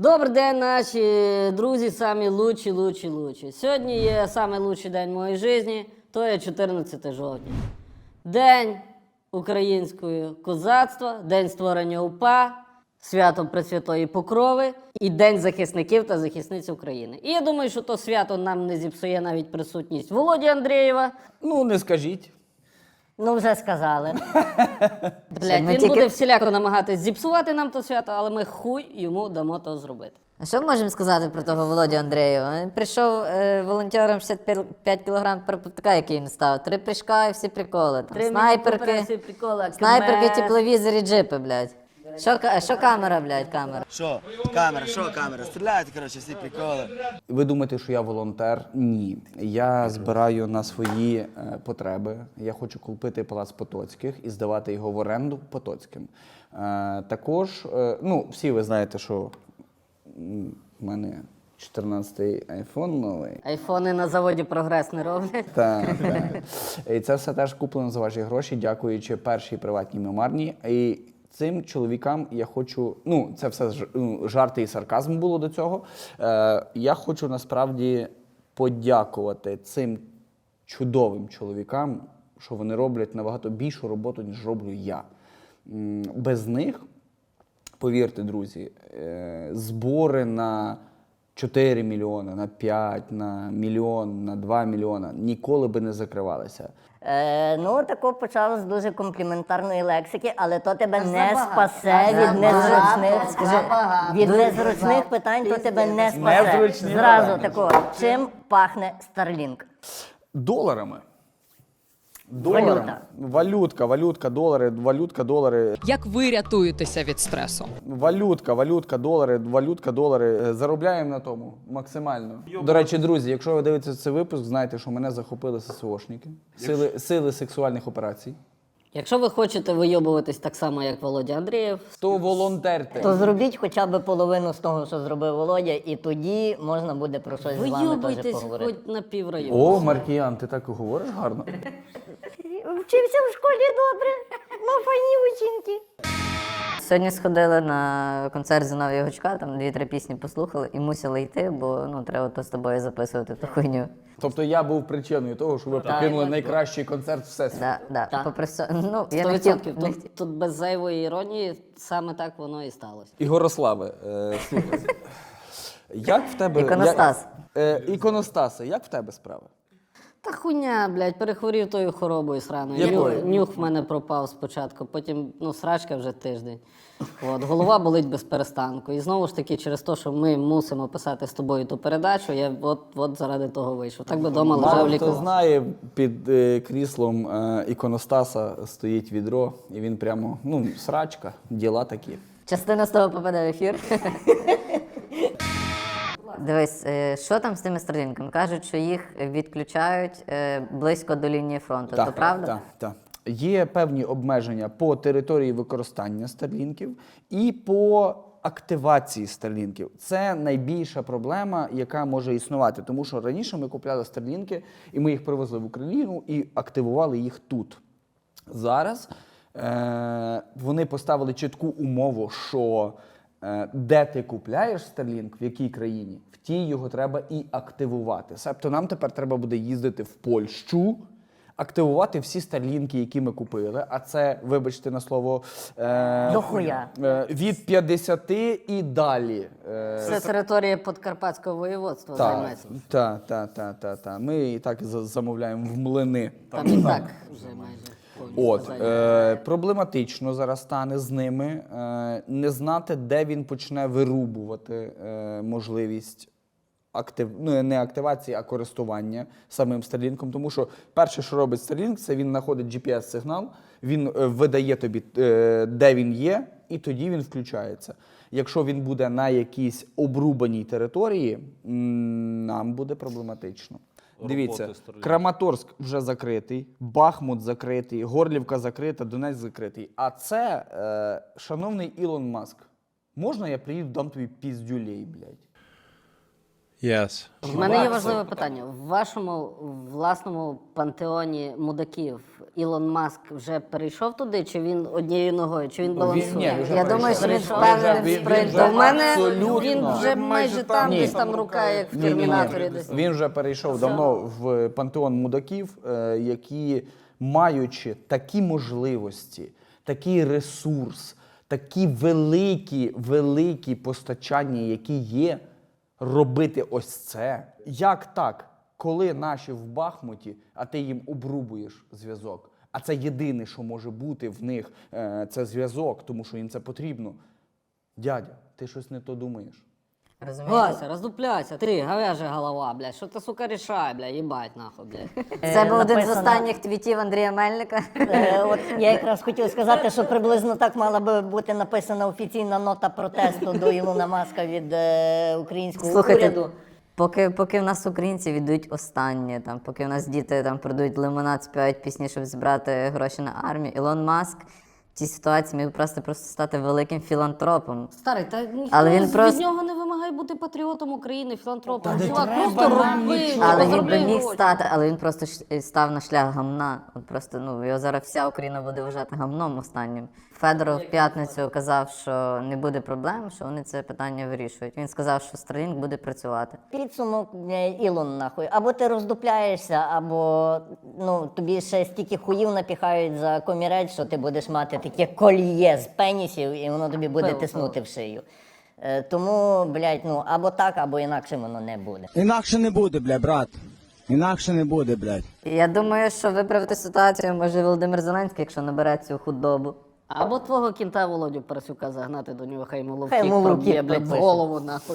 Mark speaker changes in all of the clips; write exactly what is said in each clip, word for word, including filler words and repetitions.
Speaker 1: Добрий день, наші друзі, самі лучші, лучші, лучші. Сьогодні є самий лучший день моєї житті, то є чотирнадцяте жовтня. День українського козацтва, день створення УПА, свято Пресвятої Покрови і День захисників та захисниць України. І я думаю, що то свято нам не зіпсує навіть присутність Володі Андрієва.
Speaker 2: Ну, не скажіть.
Speaker 3: Ну, вже сказали.
Speaker 1: Блядь, він
Speaker 3: тільки-
Speaker 1: буде всіляко намагатись зіпсувати нам то свято, але ми хуй йому дамо то зробити.
Speaker 3: А що можемо сказати про того Володю Андрієва? Він прийшов е, волонтером шістдесят п'ять кілограм перепутка, який він став. Три прыжка і всі приколи. Там, снайперки, снайперки, тепловізори, джипи, блядь. Що, ка- що камера, блядь, камера?
Speaker 4: Що? Камера, що камера? Стріляють, коротше, всі приколи.
Speaker 2: Ви думаєте, що я волонтер? Ні. Я збираю на свої е, потреби. Я хочу купити палац Потоцьких і здавати його в оренду Потоцьким. Е, також, е, ну, всі ви знаєте, що м, в мене чотирнадцятий айфон новий.
Speaker 1: Айфони на заводі «Прогрес» не роблять.
Speaker 2: Так, так. І це все теж куплено за ваші гроші, дякуючи першій приватній мемарні. І цим чоловікам я хочу, ну, це все ж- ну, жарти і сарказм було до цього. Е, я хочу насправді подякувати цим чудовим чоловікам, що вони роблять набагато більшу роботу, ніж роблю я. М, Без них, повірте, друзі, е, збори на чотири мільйони, на п'ять, на мільйон, на два мільйона ніколи би не закривалися.
Speaker 5: Е, ну, тако почав з дуже компліментарної лексики, але то тебе не
Speaker 3: забагато.
Speaker 5: спасе від
Speaker 3: Забагато.
Speaker 5: незручних, скажи,
Speaker 3: Забагато.
Speaker 5: від
Speaker 3: Дуже
Speaker 5: незручних
Speaker 3: забагато.
Speaker 5: питань то тебе не спасе.
Speaker 2: Незручні
Speaker 5: Зразу
Speaker 2: питання.
Speaker 5: тако, чим пахне Starlink?
Speaker 2: Доларами. Доларами.
Speaker 5: Валюта.
Speaker 2: Валютка, валютка, долари, валютка, долари.
Speaker 6: Як ви рятуєтеся від стресу?
Speaker 2: Валютка, валютка, долари, валютка, долари. Е, Заробляємо на тому максимально. До речі, друзі, якщо ви дивитеся цей випуск, знайте, що мене захопили ССОшники, сили, сили сексуальних операцій.
Speaker 1: Якщо ви хочете вийобуватись так само, як Володя Андрієв,
Speaker 2: То волонтерте.
Speaker 5: То зробіть хоча б половину з того, що зробив Володя, і тоді можна буде про щось з вами теж
Speaker 1: вийобуйтесь
Speaker 5: поговорити.
Speaker 1: хоч на піврайону.
Speaker 2: О, Маркіян, ти так і говориш гарно.
Speaker 5: Вчився в школі добре, мав файні учинки.
Speaker 3: Сьогодні сходили на концерт Зіновія Гучка, там дві-три пісні послухали і мусили йти, бо ну, треба то з тобою записувати ту хуйню.
Speaker 2: Тобто я був причиною того, що ви покинули найкращий концерт всесвіту.
Speaker 3: Да, да.
Speaker 1: Так.
Speaker 3: Попри все, ну, я
Speaker 1: Сто
Speaker 3: не хотів,
Speaker 1: відсотків.
Speaker 3: не
Speaker 1: Тут, тут без зайвої іронії саме так воно і сталося.
Speaker 2: Ігорославе, е, слухай. Як в тебе...
Speaker 3: Іконостас.
Speaker 2: Як, е, іконостасе, як в тебе справи?
Speaker 1: Та хуйня, блядь, перехворів тою хоробою сраною.
Speaker 2: Якою?
Speaker 1: Нюх, нюх в мене пропав спочатку, потім, ну, срачка вже тиждень. От, голова болить без перестанку. І знову ж таки, через те, що ми мусимо писати з тобою ту передачу, я от, от заради того вийшов. Так би вдома лежав
Speaker 2: Мало хто
Speaker 1: лікував.
Speaker 2: знає, під е, кріслом е, іконостаса стоїть відро, і він прямо, ну, срачка, діла такі.
Speaker 3: частина з того попаде в ефір. Дивись, е, що там з тими стрілінками? Кажуть, що їх відключають е, близько до лінії фронту. То правда?
Speaker 2: Так, так. Є певні обмеження по території використання старлінків і по активації старлінків. Це найбільша проблема, яка може існувати, тому що раніше ми купляли старлінки, і ми їх привезли в Україну і активували їх тут. Зараз е- вони поставили чітку умову, що е, де ти купляєш Starlink, в якій країні, в тій його треба і активувати. Себто нам тепер треба буде їздити в Польщу, активувати всі старлінки, які ми купили, а це, вибачте на слово, е,
Speaker 5: Дохуя.
Speaker 2: е, від п'ятдесяти і далі. Е,
Speaker 1: Це територія Подкарпатського воєводства
Speaker 2: так,
Speaker 1: займається.
Speaker 2: так, так, так, так, так. Ми і так за- замовляємо в млини.
Speaker 1: Там і так вже майже повністю
Speaker 2: От,
Speaker 1: зайнято.
Speaker 2: е, проблематично зараз стане з ними е, не знати, де він почне вирубувати е, можливість актив, ну, не активації, а користування самим Starlink. Тому що перше, що робить Starlink, це він знаходить джі пі ес-сигнал, він е, видає тобі, е, де він є, і тоді він включається. Якщо він буде на якійсь обрубаній території, м, нам буде проблематично. Дивіться, Краматорськ вже закритий, Бахмут закритий, Горлівка закрита, Донецьк закритий. А це, е, шановний Ілон Маск, можна я приїду, дам тобі піздюлей, блядь?
Speaker 7: Yes.
Speaker 1: У мене є важливе питання. В вашому власному пантеоні мудаків Ілон Маск вже перейшов туди, чи він однією ногою, чи він балансує?
Speaker 2: ні, він вже
Speaker 3: Я думаю, що він
Speaker 1: перейшов.
Speaker 3: впевнений
Speaker 2: Він
Speaker 3: в
Speaker 2: вже-
Speaker 3: спринту.
Speaker 1: У мене
Speaker 2: Абсолютно.
Speaker 1: він вже майже там,
Speaker 2: Ні.
Speaker 1: десь там рука, як в
Speaker 2: Ні, ні, ні.
Speaker 1: Термінаторі. Десь.
Speaker 2: Він вже перейшов давно в пантеон мудаків, е, які, маючи такі можливості, такий ресурс, такі великі, великі постачання, які є, робити ось це. Як так, коли наші в Бахмуті, а ти їм обрубуєш зв'язок, а це єдине, що може бути в них, е, це зв'язок, тому що їм це потрібно. Дядя, ти щось не то думаєш.
Speaker 3: Розумієте?
Speaker 1: Вася, роздупляйся, ти говяжа голова, блядь, що ти, сука, рішай, блядь, їбать нахуй, блядь.
Speaker 3: Це був один з
Speaker 5: написано-
Speaker 3: останніх твітів Андрія Мельника.
Speaker 5: Е, От я якраз хотів сказати, що приблизно так мала би бути написана офіційна нота протесту до Ілона Маска від е, українського
Speaker 3: Слухайте,
Speaker 5: уряду.
Speaker 3: поки, поки в нас українці віддають останнє, там, поки в нас діти там продають лимонад, співають пісні, щоб збирати гроші на армію, Ілон Маск в цій ситуації міг просто просто стати великим філантропом.
Speaker 1: Старий, та ніхто
Speaker 3: Але він
Speaker 1: від
Speaker 3: просто-
Speaker 1: нього не вимагає бути патріотом України, філантропом. Чувак, просто роби,
Speaker 3: Але він
Speaker 1: заробляй
Speaker 3: би міг
Speaker 1: гроші.
Speaker 3: стати, але він просто ш- став на шлях гамна. От просто ну його зараз вся Україна буде вважати гамном останнім. Федоров в п'ятницю казав, що не буде проблем, що вони це питання вирішують. Він сказав, що Starlink буде працювати.
Speaker 5: Підсумок, е, Ілон, нахуй. Або ти роздупляєшся, або ну, тобі ще стільки хуїв напіхають за комірець, що ти будеш мати таке кольє з пенісів, і воно тобі буде
Speaker 1: Пиво,
Speaker 5: тиснути в шию. Е, Тому, блядь, ну, або так, або інакше воно не буде.
Speaker 4: Інакше не буде, бля, брат. Інакше не буде, блядь.
Speaker 3: Я думаю, що виправити ситуацію може Володимир Зеленський, якщо набере цю худобу.
Speaker 1: Або твого кінта Володю Парасюка загнати до нього, хай йому ловкік
Speaker 5: Хай йому
Speaker 1: проб'є,
Speaker 5: ловкік
Speaker 1: блядь, в
Speaker 5: пропише.
Speaker 1: голову, нахуй.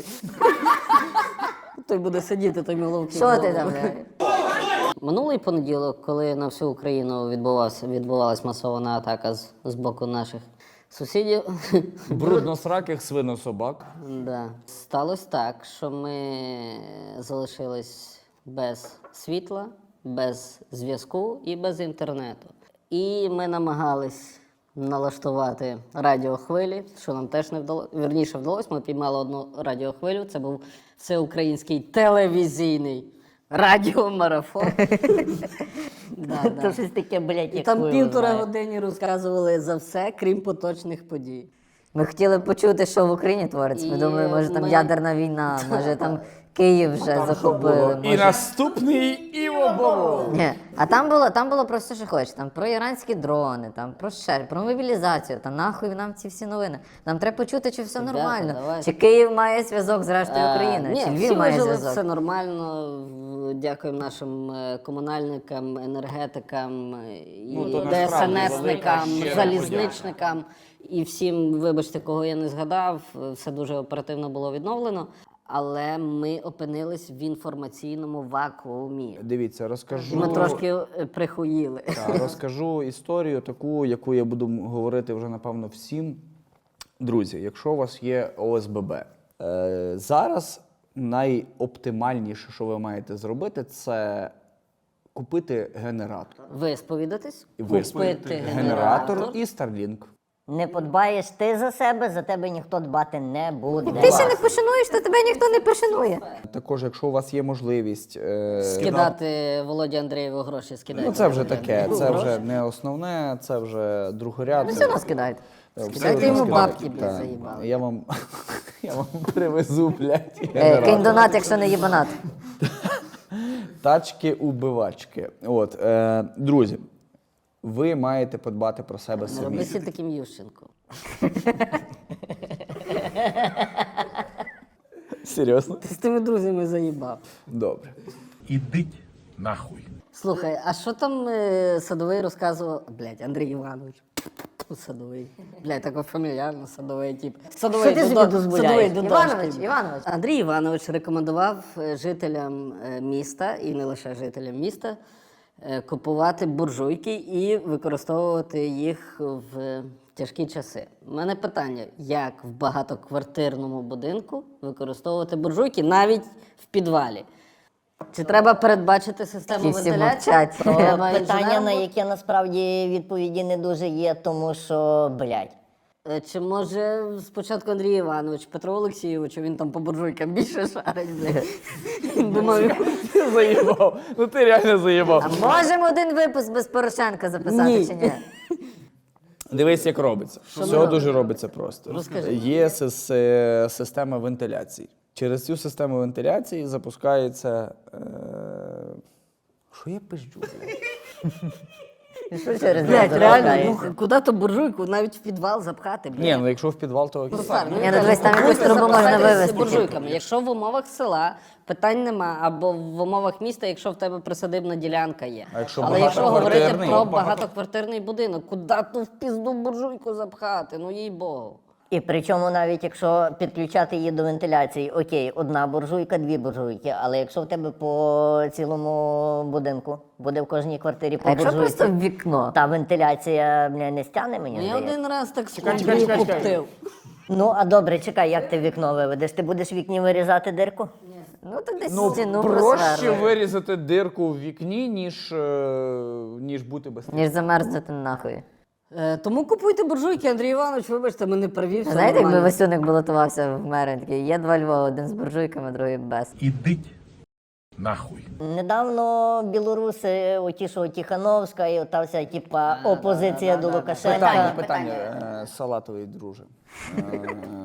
Speaker 1: Той буде сидіти, той йому ловкік. в
Speaker 3: Що ти
Speaker 1: голову.
Speaker 3: там?
Speaker 1: Минулий понеділок, коли на всю Україну відбувався, відбувалась масована атака з, з боку наших сусідів,
Speaker 2: Брудносраких свинособак.
Speaker 1: да, сталося так, що ми залишились без світла, без зв'язку і без інтернету. І ми намагались налаштувати радіохвилі, що нам теж не вдалося. Вірніше вдалося, ми піймали одну радіохвилю. Це був всеукраїнський телевізійний радіомарафон. Да,
Speaker 5: То
Speaker 1: да.
Speaker 5: щось таке, блядь,
Speaker 1: І
Speaker 5: як
Speaker 1: там
Speaker 5: хуй
Speaker 1: півтора
Speaker 5: знає.
Speaker 1: години розказували за все, крім поточних подій.
Speaker 3: Ми хотіли почути, що в Україні твориться. Ми
Speaker 1: І
Speaker 3: думали, може там
Speaker 1: ми-
Speaker 3: ядерна війна, може там Київ вже захопили.
Speaker 2: І
Speaker 3: Може...
Speaker 2: наступний Іво Бобов.
Speaker 3: Ні, а там було, там було просто що хочеш. Там про іранські дрони, там про ще, про мобілізацію. Та нахуй нам ці всі новини. Нам треба почути, чи все
Speaker 1: Ребята,
Speaker 3: нормально.
Speaker 1: давайте.
Speaker 3: Чи Київ має зв'язок з рештою
Speaker 1: Е,
Speaker 3: України,
Speaker 1: Ні,
Speaker 3: чи
Speaker 1: всі
Speaker 3: Львів має
Speaker 1: вижили,
Speaker 3: зв'язок.
Speaker 1: все нормально. В- Дякуємо нашим е, комунальникам, енергетикам, е, і
Speaker 2: Ну, то насправді
Speaker 1: ДСНСникам,
Speaker 2: велика щира
Speaker 1: залізничникам і всім, вибачте, кого я не згадав, е, все дуже оперативно було відновлено. Але ми опинились в інформаційному вакуумі.
Speaker 2: Дивіться,
Speaker 1: І
Speaker 2: розкажу.
Speaker 1: ми трошки е, прихуїли.
Speaker 2: Та, розкажу історію таку, яку я буду м- говорити вже, напевно, всім. Друзі, якщо у вас є О С Б Б, е, зараз найоптимальніше, що ви маєте зробити, це купити генератор.
Speaker 1: Ви сповідатись?
Speaker 2: І ви
Speaker 1: Купити
Speaker 2: генератор і Starlink.
Speaker 5: Не подбаєш ти за себе, за тебе ніхто дбати не буде.
Speaker 3: Ти ще не пошануєш, то тебе ніхто не пошанує.
Speaker 2: Також, якщо у вас є можливість. Е,
Speaker 1: Скидати Володі Андрієву гроші, скидайте.
Speaker 2: ну, це вже
Speaker 1: Володі
Speaker 2: таке,
Speaker 1: Андрієву
Speaker 2: це
Speaker 1: гроші.
Speaker 2: вже не основне, це вже другорядне.
Speaker 3: Все одно скидають.
Speaker 2: Е, все
Speaker 1: Скидайте
Speaker 2: одно
Speaker 1: йому
Speaker 2: скидайте.
Speaker 1: бабки, блядь,
Speaker 2: Так.
Speaker 1: заїбали.
Speaker 2: Я вам, я вам привезу, блядь,
Speaker 3: Е,
Speaker 2: генератор.
Speaker 3: кинь донат, якщо не їбанат.
Speaker 2: Тачки-убивачки. От, е, друзі, ви маєте подбати про себе
Speaker 1: Не
Speaker 2: самі.
Speaker 1: робися таким Ющенком.
Speaker 2: Серйозно?
Speaker 1: Ти з тими друзями заїбав.
Speaker 2: Добре.
Speaker 8: Ідіть нахуй.
Speaker 1: Слухай, а що там е, Садовий розказував? Блядь, Андрій Іванович. Садовий. Блядь, тако фамільярно, Садовий тип. Садовий,
Speaker 5: Що ти собі
Speaker 1: Дудо-
Speaker 5: дозволяєш?
Speaker 1: Садовий, Дудошки.
Speaker 3: Іванович, Іванович.
Speaker 1: Андрій Іванович рекомендував е, жителям е, міста, і не лише жителям міста, е, купувати буржуйки і використовувати їх в тяжкі часи. У мене питання, як в багатоквартирному будинку використовувати буржуйки навіть в підвалі? Чи треба передбачити систему
Speaker 3: Ті всі
Speaker 1: вентиляції?
Speaker 3: мовчать.
Speaker 1: Треба
Speaker 5: Питання,
Speaker 1: інженером
Speaker 5: на
Speaker 1: бути?
Speaker 5: яке насправді відповіді не дуже є, тому що, блядь,
Speaker 1: Е, Чи може спочатку Андрій Іванович, Петро Олексійович, він там по буржуйкам більше шарить, блядь. Він думав,
Speaker 2: Ти заїбав. Ну ти реально заїбав.
Speaker 3: А можемо один випуск без Порошенка записати
Speaker 1: Ні.
Speaker 3: чи ні?
Speaker 2: Дивись, як робиться. Все дуже робиться просто.
Speaker 1: Розкажи.
Speaker 2: Є сис- е, система вентиляції. Через цю систему вентиляції запускається. Е... Що я пизджу, блядь?
Speaker 5: Що через
Speaker 1: блядь,
Speaker 5: неї
Speaker 1: реально,
Speaker 5: запускається?
Speaker 1: ну, куди то буржуйку, навіть в підвал запхати, блядь.
Speaker 2: Ні, ну якщо в підвал, то окей.
Speaker 1: Руслан,
Speaker 3: Ні, ну дивись, там якусь трубу можна
Speaker 1: запасайтесь
Speaker 3: вивезти.
Speaker 1: буржуйками. Якщо в умовах села питань нема, або в умовах міста, якщо в тебе присадибна ділянка є.
Speaker 2: А якщо
Speaker 1: Але якщо говорити
Speaker 2: багатоквартирний?
Speaker 1: про багатоквартирний будинок, куди ту в пізду буржуйку запхати? Ну їй богу.
Speaker 5: І причому навіть якщо підключати її до вентиляції, окей, одна буржуйка, дві буржуйки, але якщо в тебе по цілому будинку буде в кожній квартирі по
Speaker 3: А якщо
Speaker 5: буржуйці,
Speaker 3: просто в вікно?
Speaker 5: та вентиляція бля, не стягне мені.
Speaker 1: Ну я
Speaker 5: здається.
Speaker 1: один раз так
Speaker 2: чекай,
Speaker 1: скупив,
Speaker 2: чекай, чекай.
Speaker 1: куптив.
Speaker 5: Ну а добре, чекай, як ти вікно виведеш? Ти будеш в вікні вирізати дирку?
Speaker 3: Ну так десь
Speaker 2: Ну,
Speaker 3: стіну
Speaker 2: проще
Speaker 3: просверли.
Speaker 2: вирізати дирку в вікні, ніж, е, ніж бути без
Speaker 3: Ніж замерзнути нахуй.
Speaker 1: Е, тому купуйте буржуйки, Андрій Іванович, вибачте, ми не праві, все
Speaker 3: Знаєте, якби
Speaker 1: нормально.
Speaker 3: Васюник балотувався в мери, він такий, є два Львова, один з буржуйками, другий без.
Speaker 8: Ідіть нахуй.
Speaker 5: Недавно білоруси, оті, що Тихановська, і ота вся типа опозиція до Лукашенка.
Speaker 2: Питання, питання, е, салатовий друже. Е,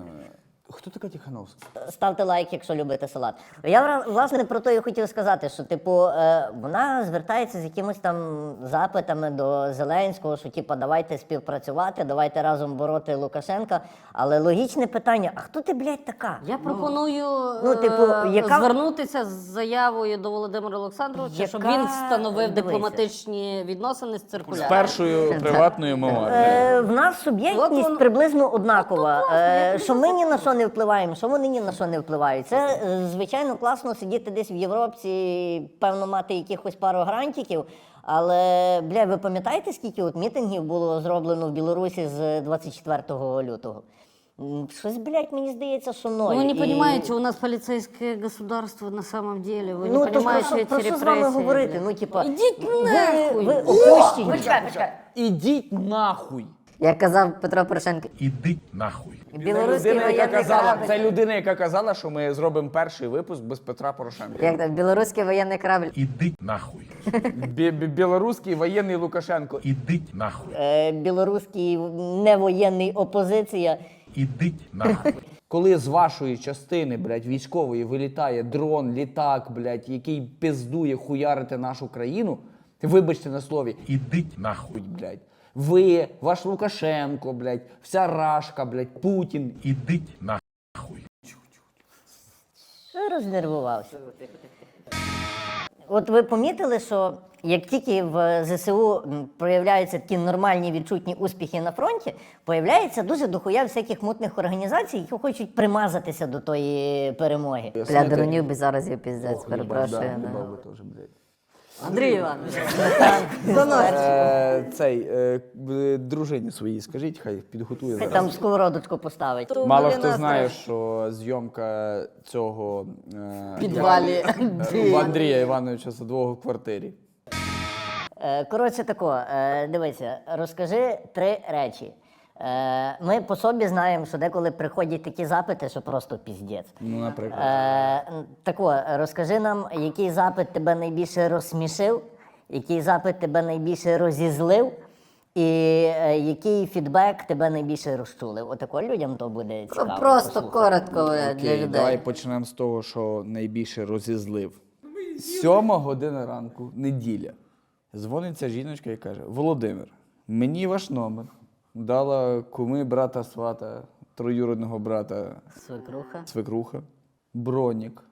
Speaker 2: Хто така Тихановська?
Speaker 5: Ставте лайк, якщо любите салат. Я вра- власне про то і хотів сказати, що типу е, вона звертається з якимось там запитами до Зеленського, що типу давайте співпрацювати, давайте разом бороти Лукашенка. Але логічне питання: а хто ти, блядь, така?
Speaker 1: Я пропоную
Speaker 5: ну, типу,
Speaker 1: е,
Speaker 5: яка-
Speaker 1: звернутися з заявою до Володимира Олександровича, щоб
Speaker 5: Яка-
Speaker 1: він встановив
Speaker 5: дивися.
Speaker 1: дипломатичні відносини з
Speaker 2: З
Speaker 1: циркуляром.
Speaker 2: першою приватною мовою.
Speaker 5: Е, в нас суб'єктність
Speaker 1: От воно-
Speaker 5: приблизно однакова. Е, що ми ні на що не впливаємо, що вони ні на що не впливають. Це, е, звичайно, класно сидіти десь в Європі, певно, мати якихось пару грантиків. Але, бля, ви пам'ятаєте, скільки от мітингів було зроблено в Білорусі з двадцять четвертого лютого? М, Щось, блядь, мені здається, що ноль.
Speaker 1: Ну, вы не
Speaker 5: І-
Speaker 1: понимаете, у нас полицейское государство на самом деле. Вы
Speaker 5: Ну,
Speaker 1: не
Speaker 5: то
Speaker 1: понимаете
Speaker 5: про, що-
Speaker 1: эти
Speaker 5: про що з
Speaker 1: репрессии.
Speaker 5: вами говорити?
Speaker 1: блядь.
Speaker 5: Ну, типа,
Speaker 1: Ідіть
Speaker 5: ви,
Speaker 1: нахуй!
Speaker 5: ви опущені.
Speaker 2: Ідіть нахуй.
Speaker 3: Як казав Петро Порошенко,
Speaker 8: Ідіть нахуй.
Speaker 3: білоруський
Speaker 2: Людина, яка
Speaker 3: воєнний
Speaker 2: казала,
Speaker 3: корабль.
Speaker 2: це людина, яка казала, що ми зробимо перший випуск без Петра Порошенка.
Speaker 3: Як там, білоруський воєнний корабль.
Speaker 8: Ідіть нахуй.
Speaker 2: Бі- бі- Білоруський воєнний Лукашенко.
Speaker 8: Ідіть нахуй.
Speaker 5: Е, білоруський невоєнний опозиція.
Speaker 8: Ідіть нахуй.
Speaker 2: Коли з вашої частини, блядь, військової вилітає дрон, літак, блядь, який пиздує хуярити нашу країну, вибачте на слові,
Speaker 8: Ідіть нахуй.
Speaker 2: блядь, ви, ваш Лукашенко, блядь, вся Рашка, блядь, Путін.
Speaker 8: Ідіть нахуй.
Speaker 5: Рознервувався. От ви помітили, що як тільки в ЗСУ м, проявляються такі нормальні відчутні успіхи на фронті, появляється дуже дохуя всяких мутних організацій, які хочуть примазатися до тої перемоги.
Speaker 3: Бля, дронів би зараз є піздець, перепрошую.
Speaker 2: Да,
Speaker 3: да.
Speaker 2: їбав би теж, блядь.
Speaker 1: Андрій Іванович,
Speaker 2: Е, Цей, е, б- дружині своїй скажіть, хай підготує
Speaker 5: Хай
Speaker 2: зараз.
Speaker 5: там сковородочку поставить.
Speaker 2: Мало
Speaker 1: Блін,
Speaker 2: хто
Speaker 1: нас
Speaker 2: знає,
Speaker 1: теж.
Speaker 2: що зйомка цього е,
Speaker 1: в підвалі.
Speaker 2: е, у Андрія Івановича Садового в квартирі.
Speaker 5: Е, Коротше тако, е, дивися, розкажи три речі. Е, Ми по собі знаємо, що деколи приходять такі запити, що просто піздець.
Speaker 2: Ну, наприклад.
Speaker 5: Е, тако, розкажи нам, який запит тебе найбільше розсмішив, який запит тебе найбільше розізлив, і е, який фідбек тебе найбільше розчулив. Отако людям то буде цікаво.
Speaker 3: Ну, Просто
Speaker 5: послухати.
Speaker 3: коротко бля, для
Speaker 2: Окей, давай
Speaker 3: людей.
Speaker 2: почнемо з того, що найбільше розізлив. Сьома година ранку, неділя. Дзвониться жіночка і каже: Володимир, мені ваш номер дала куми брата свата, троюродного брата
Speaker 1: Свекруха.
Speaker 2: свекруха, бронік.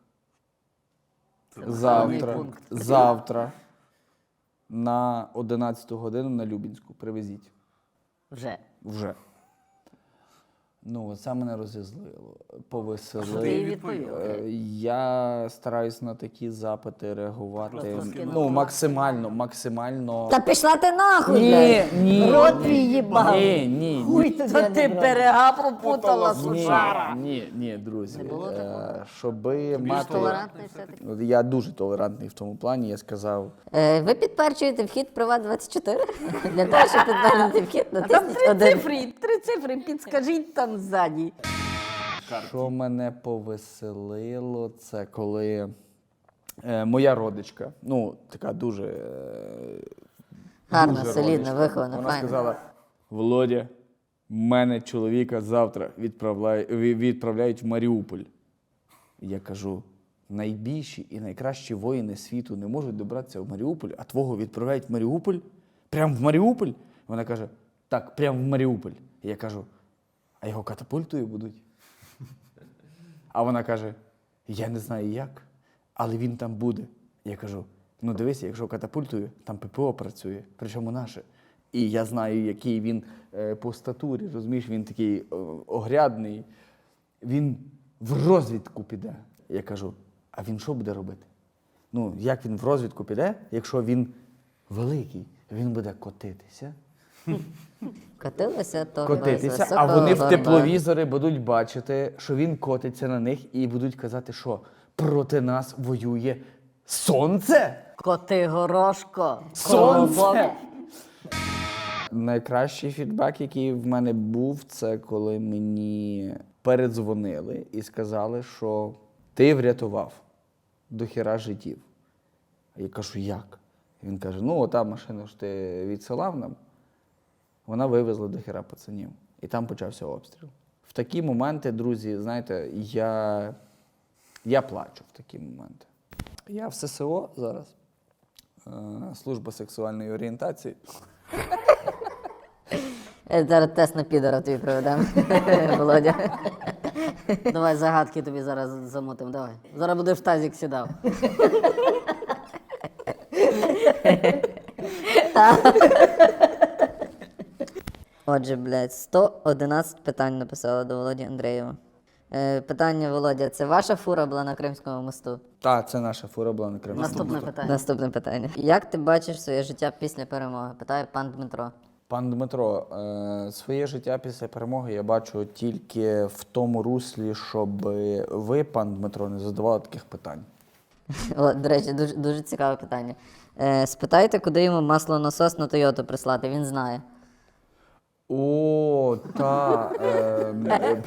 Speaker 2: Завтра, завтра на одинадцяту годину на Любінську. Привезіть.
Speaker 5: Вже.
Speaker 2: Вже. Ну, це мене розізлило, повеселило.
Speaker 1: Ти їй відповів?
Speaker 2: Е, Я стараюсь на такі запити реагувати.
Speaker 1: Просто скинув.
Speaker 2: Ну, максимально, максимально.
Speaker 3: Та пішла ти нахуй,
Speaker 2: Ні,
Speaker 3: блядь.
Speaker 2: ні.
Speaker 5: Рот твій їбав.
Speaker 2: Ні, ні,
Speaker 5: Хуй
Speaker 2: ні.
Speaker 5: тобі,
Speaker 1: Та
Speaker 5: а не
Speaker 1: ти
Speaker 5: брат.
Speaker 1: берега пропутала,
Speaker 2: Ні,
Speaker 1: сучара.
Speaker 2: ні, ні, друзі.
Speaker 1: Не було
Speaker 2: Е, Щоби мати.
Speaker 1: Толерантний все-таки.
Speaker 2: От Я дуже толерантний в тому плані, я сказав.
Speaker 3: Е, ви підперчуєте вхід Приват двадцять чотири? Для того, щоб підтвердити вхід,
Speaker 1: А там
Speaker 3: натисніть
Speaker 1: три
Speaker 3: один.
Speaker 1: цифри, три цифри, підскажіть там ззаді.
Speaker 2: Що мене повеселило, це коли е, моя родичка, ну, така дуже. Е,
Speaker 3: Гарна,
Speaker 2: дуже
Speaker 3: солідна,
Speaker 2: родичка,
Speaker 3: вихована,
Speaker 2: вона
Speaker 3: файна.
Speaker 2: сказала: Володя, мене чоловіка завтра відправляють, відправляють в Маріуполь. Я кажу: найбільші і найкращі воїни світу не можуть добратися в Маріуполь, а твого відправляють в Маріуполь? Прям в Маріуполь? Вона каже: так, прям в Маріуполь. Я кажу: а його катапультою будуть? А вона каже: я не знаю як, але він там буде. Я кажу: ну дивися, якщо катапультою, там ППО працює, причому наше. І я знаю, який він е, по статурі, розумієш, він такий е, огрядний. Він в розвідку піде. Я кажу: а він що буде робити? Ну, як він в розвідку піде, якщо він великий, він буде котитися.
Speaker 3: Котилися, то
Speaker 2: Котитися,
Speaker 3: без
Speaker 2: а вони в
Speaker 3: високого
Speaker 2: тепловізори будуть бачити, що він котиться на них і будуть казати, що проти нас воює сонце.
Speaker 1: Коти горошко.
Speaker 2: Сонце! Найкращий фідбек, який в мене був, це коли мені передзвонили і сказали, що ти врятував до хіра життів. Я кажу: як? Він каже: ну, ота машина, що ти відсилав нам, вона вивезла до хіра пацанів. І там почався обстріл. В такі моменти, друзі, знаєте, я, я плачу в такі моменти. Я в ССО зараз. Е, Служба сексуальної орієнтації.
Speaker 3: Е, Зараз тест на підора тобі проведемо, Володя.
Speaker 1: Давай загадки тобі зараз замутимо, давай. Зараз будеш в тазик сідав.
Speaker 3: Отже, блядь, сто одинадцять питань написала до Володі Андрієва. Е, питання, Володя, це ваша фура була на Кримському мосту?
Speaker 2: Так, це наша фура була на Криму.
Speaker 1: Наступне питання.
Speaker 3: Наступне питання. Як ти бачиш своє життя після перемоги? Питає пан Дмитро.
Speaker 2: Пан Дмитро, е, своє життя після перемоги я бачу тільки в тому руслі, щоб ви, пан Дмитро, не задавали таких питань.
Speaker 3: О, до речі, дуже, дуже цікаве питання. Е, спитайте, куди йому маслонасос на Тойоту прислати, він знає.
Speaker 2: О, та. Е,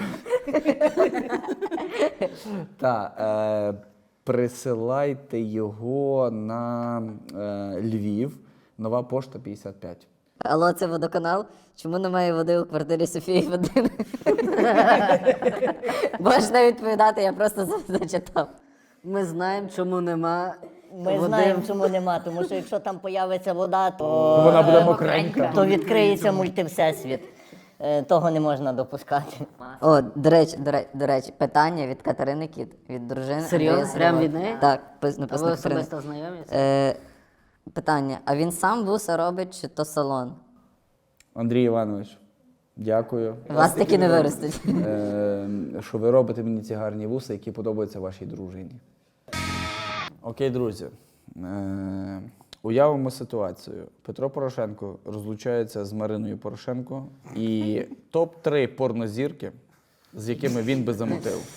Speaker 2: та, е, присилайте його на е, Львів, Нова пошта п'ятдесят п'ять.
Speaker 3: Алло, це водоканал? Чому немає води у квартирі Софії Вадим? Можеш не відповідати, я просто за- зачитав.
Speaker 1: Ми знаємо, чому нема.
Speaker 5: Ми
Speaker 1: води.
Speaker 5: знаємо, чому нема, тому що якщо там появиться вода, то,
Speaker 2: Вона буде мокренька.
Speaker 5: то відкриється мультивсесвіт. Е, Того не можна допускати.
Speaker 3: О, до речі, до речі, до речі, питання від Катерини Кіт, від дружини.
Speaker 1: Серйозно?
Speaker 3: Андрія
Speaker 1: Прям
Speaker 3: Сидорова.
Speaker 1: від неї?
Speaker 3: Так, пис-
Speaker 1: А
Speaker 3: написано
Speaker 1: ви
Speaker 3: Катерина.
Speaker 1: особисто знайомі?
Speaker 3: Е, питання, а він сам вуса робить чи то салон?
Speaker 2: Андрій Іванович, дякую.
Speaker 3: Вас таки не виростуть.
Speaker 2: Е, що ви робите мені ці гарні вуса, які подобаються вашій дружині. Окей, друзі. Е, уявимо ситуацію. Петро Порошенко розлучається з Мариною Порошенко і топ три порнозірки, з якими він би замутив.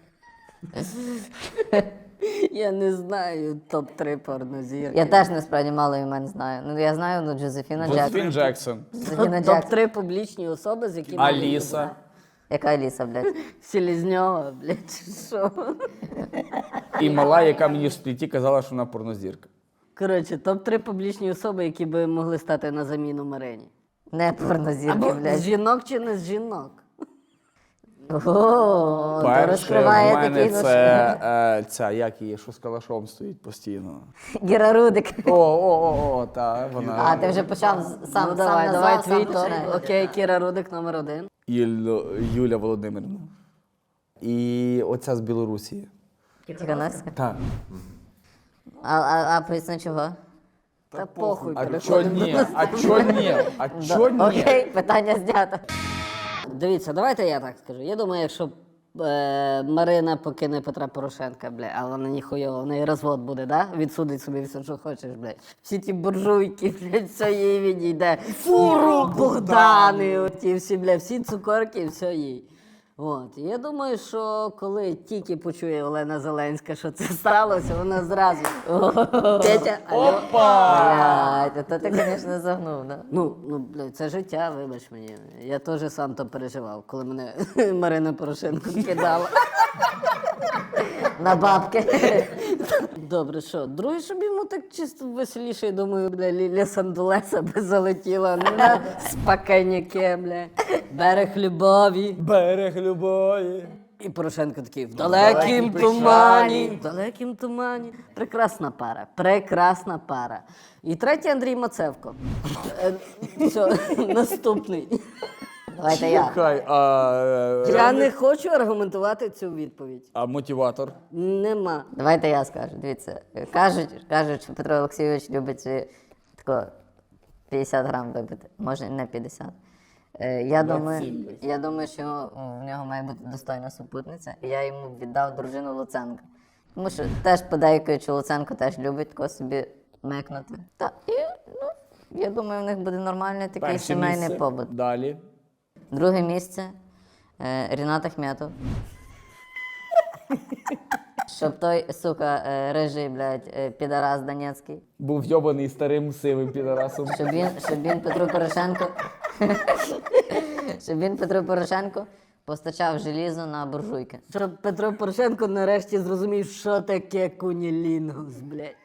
Speaker 1: Я не знаю топ три порнозірки.
Speaker 3: Я теж насправді мало імен знаю. Ну, я знаю, ну, Джозефіна
Speaker 2: Джозефін
Speaker 3: Джексон.
Speaker 2: Джексон,
Speaker 3: Джозефіна
Speaker 1: топ
Speaker 3: Джексон.
Speaker 1: три публічні особи, з якими...
Speaker 2: Аліса.
Speaker 3: Яка Аліса, блядь?
Speaker 1: Селезньова, блядь, чи що?
Speaker 2: І мала, яка мені в спліті казала, що вона порнозірка.
Speaker 1: Коротше, топ три публічні особи, які би могли стати на заміну Марині.
Speaker 3: Не порнозірки,
Speaker 1: Або з
Speaker 3: блядь.
Speaker 1: жінок чи не з жінок?
Speaker 3: О, то
Speaker 2: Перше в
Speaker 3: розкриває
Speaker 2: мене
Speaker 3: такий
Speaker 2: це е, ця, як її, що з калашом стоїть постійно.
Speaker 3: Гіра Рудик.
Speaker 2: О, о, о, о, та, вона.
Speaker 3: А, ти вже почав з- сам,
Speaker 1: Ну
Speaker 3: сам
Speaker 1: давай,
Speaker 3: назвав,
Speaker 1: давай
Speaker 3: сам
Speaker 1: твій топ.
Speaker 3: починай.
Speaker 1: Окей, Кіра Рудик номер один.
Speaker 2: Юль- Юля Володимирівна. І оця з Білорусі.
Speaker 3: Тихановська.
Speaker 2: Так.
Speaker 3: А, а, а поясни чого?
Speaker 1: Та похуй,
Speaker 2: А чо
Speaker 1: переходимо.
Speaker 2: ні? А чо ні? А чо ні?
Speaker 3: Окей, питання знято.
Speaker 1: Дивіться, давайте я так скажу. Я думаю, якщо е, Марина покине Петра Порошенка, бля, а вона ніхуйова, в неї розвод буде, да? Відсудить собі все, що хочеш, блядь. Всі ті буржуйки, блядь, все їй відійде. Фуру, Богдани, оті всі, блядь, всі цукорки, все їй. От. І я думаю, що коли тільки почує Олена Зеленська, що це сталося, вона зразу. Петя, алло.
Speaker 3: Блядь, то ти, звісно, загнув, да?
Speaker 1: Ну, ну, блядь, це життя, вибач мені. Я теж сам то переживав, коли мене Марина Порошенко кидала.
Speaker 3: На бабки.
Speaker 1: Добре, що? Друге, щоб йому так чисто веселіше, я думаю, бля, Ліля Сандулеса би залетіла на спокійняке, бля. Берег любові.
Speaker 2: Берег любові.
Speaker 1: І Порошенко такий, в далекім тумані, в далекім тумані. Прекрасна пара, прекрасна пара. І третій Андрій Мацевко. Е, Все, наступний.
Speaker 3: Давайте я.
Speaker 2: Хай, а,
Speaker 1: Я не хочу аргументувати цю відповідь.
Speaker 2: а мотиватор?
Speaker 1: Нема.
Speaker 3: Давайте я скажу. Дивіться, кажуть, кажуть, що Петро Олексійович любить собі тако п'ятдесят грам випити. Може, не п'ятдесят. Е, Я думаю, я думаю, що в нього має бути достойна супутниця, і я йому віддав дружину Луценка. Тому що теж подейкують, що Луценко теж любить тако собі мекнути. Та, і, ну, я думаю, в них буде нормальний такий
Speaker 2: Перше
Speaker 3: сімейний
Speaker 2: місце.
Speaker 3: побут.
Speaker 2: Далі.
Speaker 3: Друге місце е, Рінат Ахметов. Щоб той, сука, е, рижий, блядь, е, підарас Донецький.
Speaker 2: Був йобаний старим сивим підарасом.
Speaker 3: Щоб він, щоб він Петру Порошенко. Щоб він Петру Порошенко постачав желізо на буржуйки.
Speaker 1: Щоб Петро Порошенко нарешті зрозумів, що таке кунілінгус, блядь.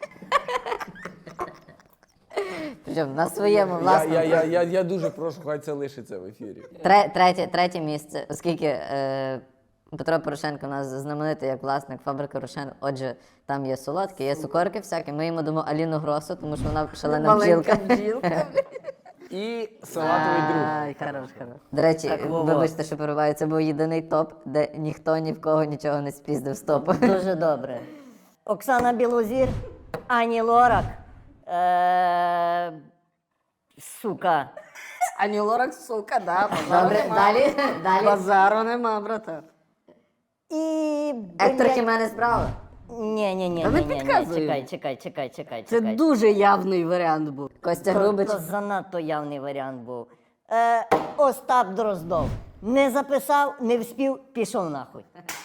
Speaker 3: Причому на своєму
Speaker 2: Я,
Speaker 3: власному.
Speaker 2: я, я, я, я дуже прошу, хай це лишиться в ефірі.
Speaker 3: Тре- Третє, третє місце, оскільки е, Петро Порошенко у нас знаменитий як власник фабрики Рошен. Отже, там є солодкі, є цукорки всякі. Ми йому дамо Аліну Гросу, тому що вона шалена
Speaker 1: Маленька
Speaker 3: бджілка.
Speaker 1: бджілка.
Speaker 2: І салатовий друг.
Speaker 1: Ай, хорош, хорош.
Speaker 3: До речі,
Speaker 5: Во-во.
Speaker 3: вибачте, що перебуваю, це був єдиний топ, де ніхто ні в кого нічого не спіздив з топу.
Speaker 5: Дуже добре. Оксана Білозір, Ані Лорак. Е... Сука.
Speaker 1: Ані Лорак, сука, да.
Speaker 3: Добре, далі, далі.
Speaker 1: Базару нема, брата.
Speaker 5: І...
Speaker 3: Ектор
Speaker 5: блядь,
Speaker 3: Хіменес Браво.
Speaker 5: Ні, ні, ні,
Speaker 1: Та ви
Speaker 5: ні, ні, ні,
Speaker 1: підказуєте.
Speaker 5: чекай, чекай, чекай, чекай,
Speaker 1: Це
Speaker 5: чекай.
Speaker 1: дуже явний варіант був.
Speaker 3: Костя
Speaker 5: То,
Speaker 3: Грубич.
Speaker 5: то занадто явний варіант був. Е, Остап Дроздов. Не записав, не вспів, пішов нахуй.